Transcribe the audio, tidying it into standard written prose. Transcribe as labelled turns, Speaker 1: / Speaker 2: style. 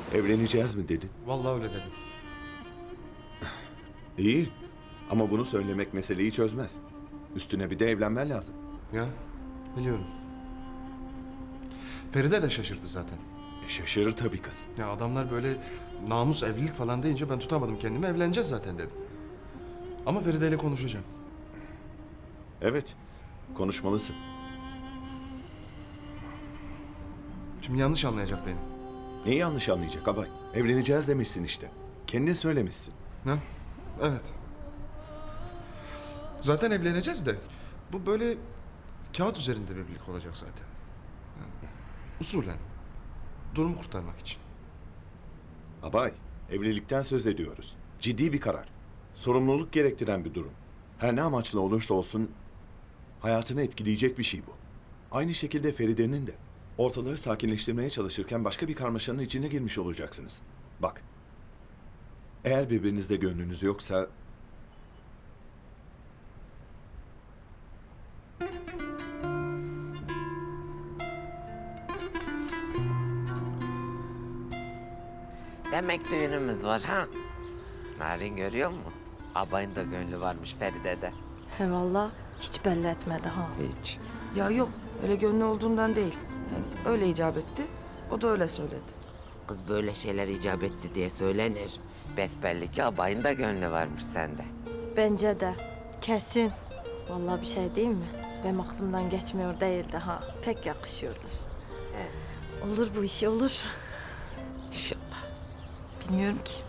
Speaker 1: Evleneceğiz mi dedin?
Speaker 2: Vallahi öyle dedim.
Speaker 1: İyi. Ama bunu söylemek meseleyi çözmez. Üstüne bir de evlenmen lazım.
Speaker 2: Ya biliyorum. Feride de şaşırdı zaten.
Speaker 1: Şaşırır tabii kız.
Speaker 2: Ya adamlar böyle namus evlilik falan deyince ben tutamadım kendimi. Evleneceğiz zaten dedim. Ama Feride ile konuşacağım.
Speaker 1: Evet. Konuşmalısın.
Speaker 2: Şimdi yanlış anlayacak beni.
Speaker 1: Neyi yanlış anlayacak abay? Evleneceğiz demişsin işte. Kendin söylemişsin.
Speaker 2: Ne? Evet. Zaten evleneceğiz de bu böyle kağıt üzerinde bir evlilik olacak zaten. Yani, usulen. Durumu kurtarmak için.
Speaker 1: Abay, evlilikten söz ediyoruz. Ciddi bir karar. Sorumluluk gerektiren bir durum. Her ne amaçla olursa olsun hayatını etkileyecek bir şey bu. Aynı şekilde Feride'nin de. Ortalığı sakinleştirmeye çalışırken başka bir karmaşanın içine girmiş olacaksınız. Bak, eğer birbirinizde gönlünüz yoksa...
Speaker 3: Demek düğünümüz var ha? Narin görüyor mu? Abayın da gönlü varmış Feride'de.
Speaker 4: He valla hiç belli etmedi ha.
Speaker 3: Hiç.
Speaker 5: Ya yok, öyle gönlü olduğundan değil. Yani öyle icap etti, o da öyle söyledi.
Speaker 3: Kız böyle şeyler icap etti diye söylenir. Besbelli ki abayın da gönlü varmış sende.
Speaker 4: Bence de. Kesin. Vallahi bir şey değil mi? Benim aklımdan geçmiyor değildi ha. Pek yakışıyorlar.
Speaker 3: He.
Speaker 4: Olur bu işi olur.
Speaker 3: İnşallah.
Speaker 4: Bilmiyorum ki.